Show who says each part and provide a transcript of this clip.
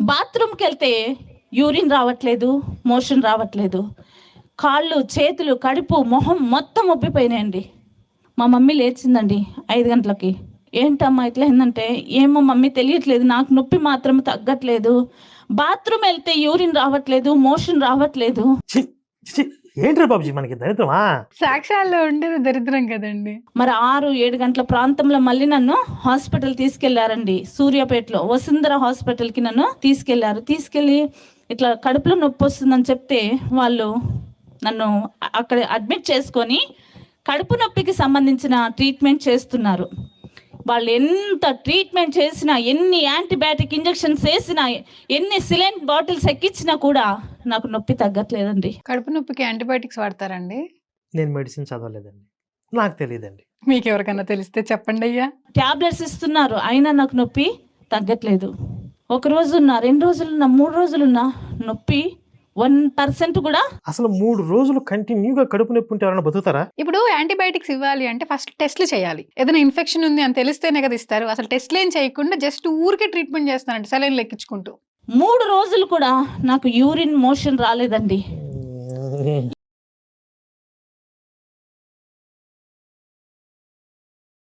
Speaker 1: బాత్రూమ్కి వెళ్తే యూరిన్ రావట్లేదు, మోషన్ రావట్లేదు. కాళ్ళు, చేతులు, కడుపు, మొహం మొత్తం ఉబ్బిపోయినాయండి. మా మమ్మీ లేచిందండి 5 గంటలకి. ఏంటమ్మా ఇట్లా ఏంటంటే, ఏమో మమ్మీ తెలియట్లేదు, నాకు నొప్పి మాత్రం తగ్గట్లేదు. బాత్రూమ్ వెళ్తే యూరిన్ రావట్లేదు, మోషన్ రావట్లేదు.
Speaker 2: ఛీ, ఛీ, ఏంట్రా బాబుజీ మనకి దరిద్రమా?
Speaker 3: సాక్ష్యాల్లో ఉండేది దరిద్రం కదండి.
Speaker 1: మరి 6-7 గంటల ప్రాంతంలో మళ్ళీ నన్ను హాస్పిటల్ తీసుకెళ్లారండి. సూర్యాపేటలో వసుంధర హాస్పిటల్కి నన్ను తీసుకెళ్ళి ఇట్లా కడుపులో నొప్పి వస్తుందని చెప్తే వాళ్ళు నన్ను అక్కడ అడ్మిట్ చేసుకొని కడుపు నొప్పికి సంబంధించిన ట్రీట్మెంట్ చేస్తున్నారు. వాళ్ళు ఎంత ట్రీట్మెంట్ చేసినా, ఎన్ని యాంటీబయాటిక్ ఇంజెక్షన్స్ వేసినా, ఎన్ని సిలైన్ బాటిల్స్ ఎక్కించినా కూడా నాకు నొప్పి తగ్గట్లేదండి.
Speaker 3: కడుపు నొప్పికి యాంటీబయాటిక్స్ వాడతారండి?
Speaker 2: నేను మెడిసిన్ చదవలేదండి, నాకు తెలియదండి.
Speaker 3: మీకు ఎవరికైనా తెలిస్తే చెప్పండి అయ్యా.
Speaker 1: ట్యాబ్లెట్స్ ఇస్తున్నారు, అయినా నాకు నొప్పి తగ్గట్లేదు. 1 రోజున్నా, 2 రోజులున్నా, 3 రోజులున్నా నొప్పి 1% కూడా.
Speaker 2: అసలు 3 రోజులు కంటిన్యూగా కడుపు నొప్పి ఉంటే ఎవరైనా బతుకుతారా?
Speaker 3: ఇప్పుడు యాంటీబయాటిక్స్ ఇవ్వాలి అంటే ఫస్ట్ టెస్ట్లు చేయాలి. ఏదైనా ఇన్ఫెక్షన్ ఉంది అని తెలిస్తేనే కదా ఇస్తారు. అసలు టెస్ట్లు ఏం చేయకుండా జస్ట్ ఊరికే ట్రీట్మెంట్ చేస్తారండి, సెలైన్లు ఎక్కించుకుంటూ.
Speaker 1: 3 రోజులు కూడా నాకు యూరిన్ మోషన్ రాలేదండి.